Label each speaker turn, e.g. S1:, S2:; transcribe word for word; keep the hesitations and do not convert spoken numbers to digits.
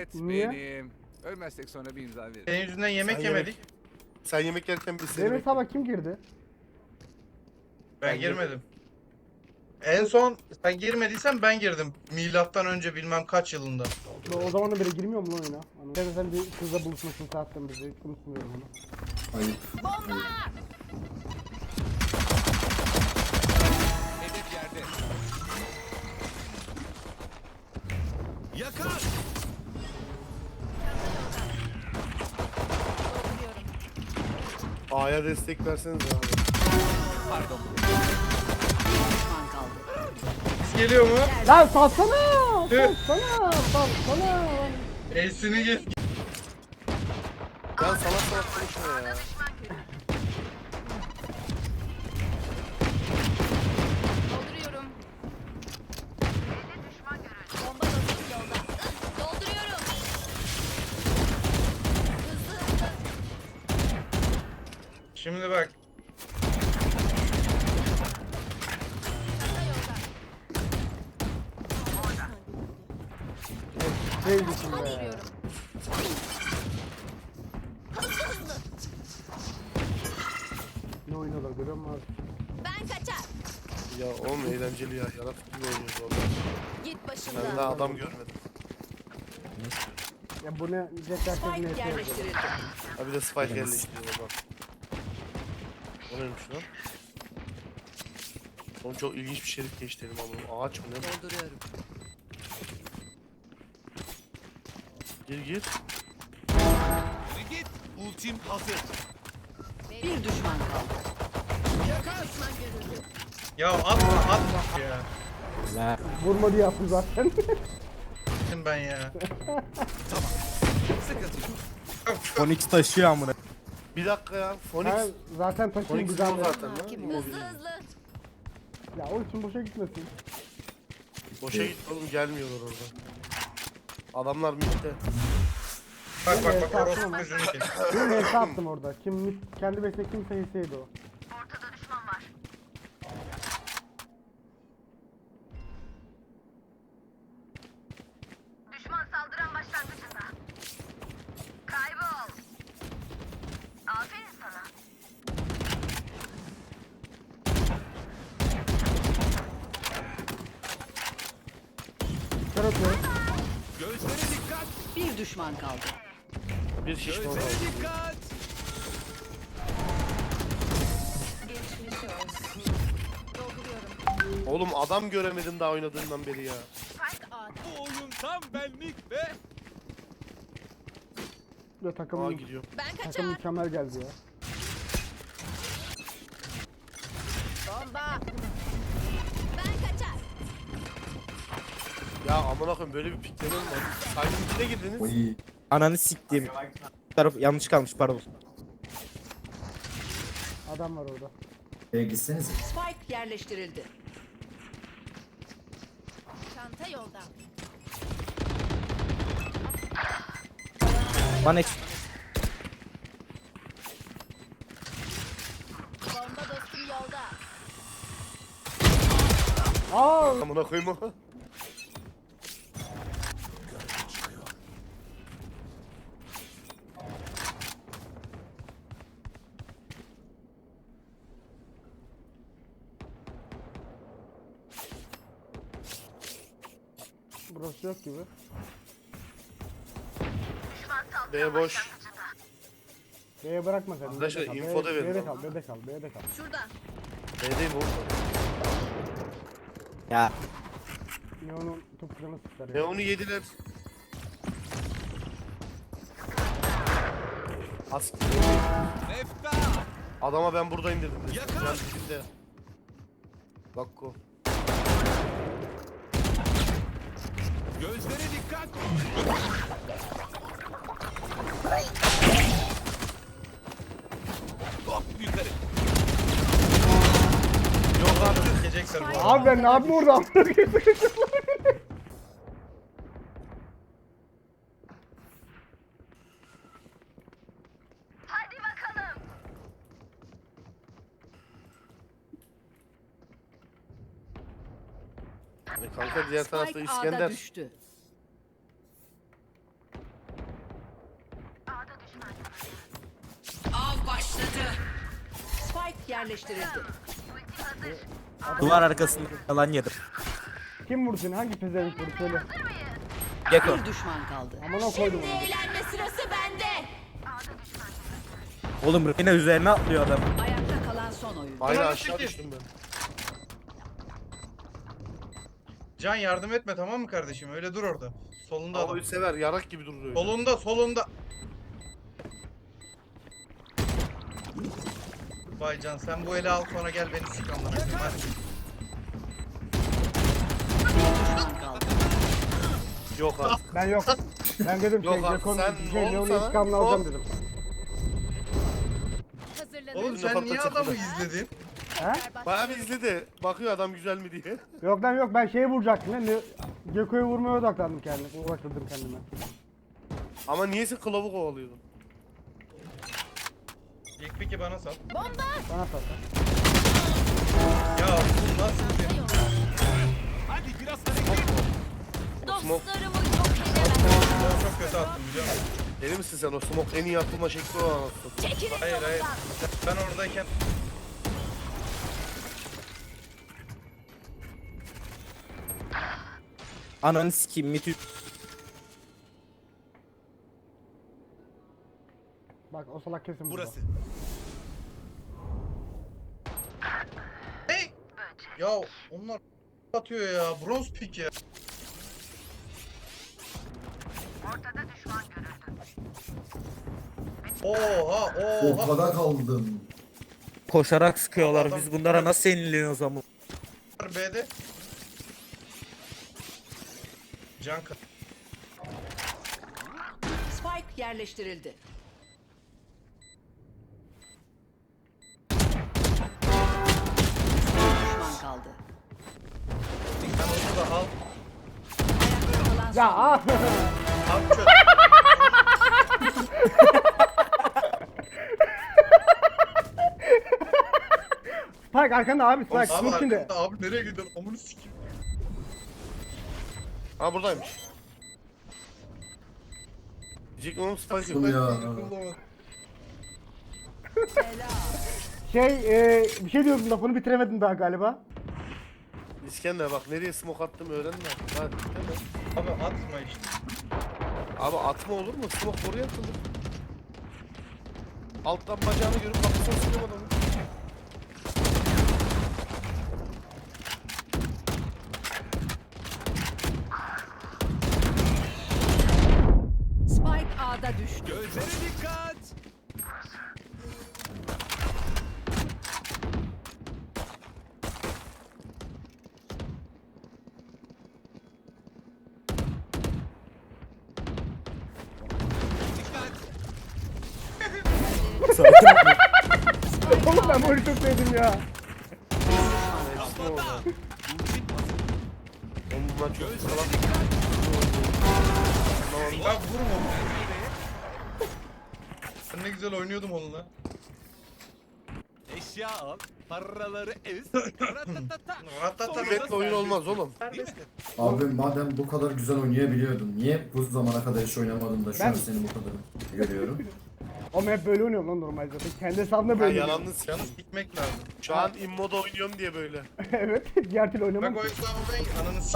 S1: Evet
S2: Niye?
S1: benim. Ölmezsek sonra bir imza veririm.
S3: Senin yüzünden yemek
S4: Sen
S3: yemedik.
S4: yemek- Sen yemek yerken biz seni
S2: Benim
S4: bekliyoruz.
S2: hesaba kim girdi?
S3: Ben
S4: Ben
S3: girmedim. En son sen girmediysen ben girdim. Milattan önce bilmem kaç yılında.
S2: O o zaman da biri girmiyor mu lan oyuna? Hani sen, sen bir kızla buluşmasın saatten bizi. Hiç unutmuyorum onu.
S5: Ayıp.
S1: Hedef yerde. Yakar.
S4: A'ya destek verseniz abi.
S1: Pardon.
S6: Düşman kaldı.
S3: Geliyor mu?
S2: Lan salsana! Salsana! Salsana!
S3: Ace'ini gel.
S4: Lan salak salak konuşma ya.
S7: Dolduruyorum. Bomba dostum yolda. Dolduruyorum. Hızlı hızlı.
S3: Şimdi bak.
S7: Çanta yolda.
S2: Sevgisin be.
S7: Dolduruyorum. Hızlı hızlı.
S2: Ne oynuyorlar görüyor musun abi?
S7: Ben kaçar.
S4: Ya oğlum eğlenceli ya. Yaratık gibi oynuyoruz valla.
S7: Git
S4: Ben
S7: başımdan.
S4: daha adam görmedim.
S2: Ya bu ne? Jet herkes ne
S6: Spike
S2: yapıyor?
S6: yerleştirildi.
S4: Ha bir de spike yerleştiriyor bak. O neymiş lan? Oğlum çok ilginç bir şerif geçti elim ama. Ağaç mı ne? bu?
S6: Dolduruyorum.
S4: Gir gir.
S1: Git. Ultim hazır.
S6: Bir düşman kaldı.
S3: Ya atma atma ya.
S2: Vurma diye yaptım zaten.
S3: Gittim ben ya.
S1: Sıkıntı yok.
S8: Phoenix taşıyor amına.
S4: Bir dakika ya. Phoenix.
S2: Ha, zaten taşın
S4: Phoenix
S2: güzel.
S4: o zaten lan.
S7: Hızlı hızlı.
S2: Ya o için boşa gitmesin.
S4: Boşa git oğlum gelmiyorlar orada. Adamlar midde.
S3: Bak bak
S2: Evet,
S3: bak orospu
S2: tamam.
S3: yüzünü kes.
S2: Bir neyse attım orada. Kim kendi besle kimse yeseydi o.
S9: Düşman saldıran başlangıcında. Kaybol. Aferin sana.
S2: Kör atıyorum.
S1: Gözlere dikkat.
S6: Bir düşman kaldı.
S4: Bir şişman
S1: Gözlere
S4: kaldı.
S1: dikkat.
S7: Dolduruyorum.
S4: Oğlum adam göremedim daha oynadığından beri ya.
S9: Spike A'da.
S1: Bu oyun tam benlik ve
S2: Ya
S4: Aa
S2: takım,
S4: gidiyor.
S7: Ben
S2: takım
S7: kaçar.
S2: mükemmel geldi ya.
S7: Bomba. Ben kaçar.
S4: Ya amına koyayım böyle bir pikleme mi var? Saydın içine girdiniz.
S5: Oy.
S8: Ananı siktiğim. Taraf yanlış kalmış pardon.
S2: Adam var orada.
S5: B'ye gitsenize.
S6: Spike yerleştirildi.
S7: Çanta yolda.
S8: Bana hiç
S7: Bomba dostum yolda.
S2: Aa!
S4: Amına koyayım o.
S2: Burası yok gibi.
S4: B boş.
S2: B'ye bırakma sen.
S4: Arkadaşlar,
S2: B'de kal,
S4: info da
S2: B'de-
S4: verin
S2: B'de
S4: lan.
S2: kal, B'de kal, B'de kal.
S7: Şurada.
S4: B'deyim oğlum.
S8: ya
S2: Neon'un topuklarını sıklar
S4: Ne
S2: ya.
S4: onu yediler. As
S1: Nefta.
S4: adama ben buradayım dedim.
S1: Yakar.
S4: Can dibinde. Bakko.
S1: Gözlere dikkat. Hop yukarı.
S3: Yok abi gidecekler bu arada.
S2: Abi ben ne yapayım orada?
S9: Hadi bakalım.
S4: E kanka diğer tarafta
S6: Spike A'da
S4: İskender.
S6: düştü. yerleştirildi.
S8: Duvar arkasında yalan yedim.
S2: Kim vurdu seni? Hangi pezevenk vurdu söyle.
S8: Gekko.
S6: Bir düşman kaldı.
S2: Aman o koydum
S7: Şimdi
S2: onu.
S7: eğlenme sırası bende.
S8: Oğlum yine üzerine atlıyor adam.
S6: Ayakta kalan son oyun.
S4: Hayır
S3: Ulan
S4: aşağı
S3: sekiz.
S4: düştüm ben.
S3: Can yardım etme tamam mı kardeşim? Öyle dur orada. Solunda adam.
S4: Ama sever yarak gibi durur öyle.
S3: Solunda solunda. Vay Can sen bu eli al sonra gel beni sik amına koyayım hadi.
S6: Düşman kaldı.
S4: Yok artık.
S2: Ben yok. Ben dedim şey
S4: Yok abi,
S2: Gekon
S4: sen
S2: şey
S4: oğlum
S2: Leon'u
S4: sana-
S2: intikamını alacağım dedim.
S7: Hazırlanın.
S3: Oğlum sen
S4: Ufakta
S3: niye
S4: çekme.
S3: adamı izledin?
S2: He?
S4: Bayağı bir izledi. Bakıyor adam güzel mi diye.
S2: Yok lan yok ben şeye vuracaktım lan. Le- Gekko'yu vurmaya odaklandım kendime. Uğraştırdım kendime.
S4: Ama niyeyse kılavu kovalıyordun.
S3: İlk piki bana sal.
S7: Bomba.
S2: Bana sat.
S3: Ya bu nasıl bir...
S1: Hadi biraz hareket.
S7: Dostlarımı yok edemem.
S3: Ben çok kötü attım biliyor musun?
S4: Deli misin sen o smoke en iyi atılma şekli o anasını.
S7: Çekilin
S3: Hayır hayır.
S7: yolumdan.
S3: Ben oradayken...
S8: Ananı sikeyim mitü.
S2: Bak o salak kesin burada.
S1: Burası.
S3: Hey! Ya onlar atıyor ya. Bronz pik ya.
S9: Ortada düşman görüldü.
S3: Oha oha.
S5: Ortada kaldım.
S8: Koşarak sıkıyorlar.
S3: Adam-
S8: Biz bunlara nasıl yeniliyoruz ama?
S3: B'de. Can kat.
S6: Spike yerleştirildi. Bir düşman kaldı.
S3: Sen onu da al.
S6: Ayakta kalan son
S2: Ya ah!
S3: Al çöp.
S2: Spike arkanda abi Spike.
S3: Abi
S2: Dur şimdi.
S3: arkada abi nereye gidiyorsun? Amını sikeyim.
S4: Ha buradaymış. Diyecek oğlum spike yok.
S5: Bu ya.
S2: Şey e, bir şey diyordum lafını bitiremedim daha galiba.
S4: İskender bak nereye smoke attım öğrenme. Hadi hemen.
S3: Abi atma işte.
S4: Abi atma olur mu? Smoke oraya atılır. Alttan bacağını görüp kafasına sıkıyorum adamı.
S6: Spike A'da düştü.
S1: Gözlere dikkat. Dikkat.
S2: Oğlum ben bu oyunu çok sevdim ya.
S4: Hepsi orada. Oğlum bunlar çok
S1: Gözlere
S4: salak.
S1: dikkat.
S3: Ya vurma. Ben ne güzel oynuyordum onunla.
S1: Eşya al. Paraları ez. Ratatata.
S3: Ratata.
S4: Küvetle oyun olmaz oğlum.
S5: Abi madem bu kadar güzel oynayabiliyordun, niye bu zamana kadar hiç oynamadın da şu
S2: Ben-
S5: an seni bu kadar görüyorum.
S2: Ama hep böyle oynuyorum lan normalde zaten. Kendi hesabımda
S4: Ha,
S2: böyle oynuyorum.
S4: yalanını sikeyim.
S3: Yalnız gitmek lazım.
S4: Şu an immoda oynuyorum diye böyle.
S2: Evet. Diğer türlü oynamam.
S3: Bak o hesabı ben ananı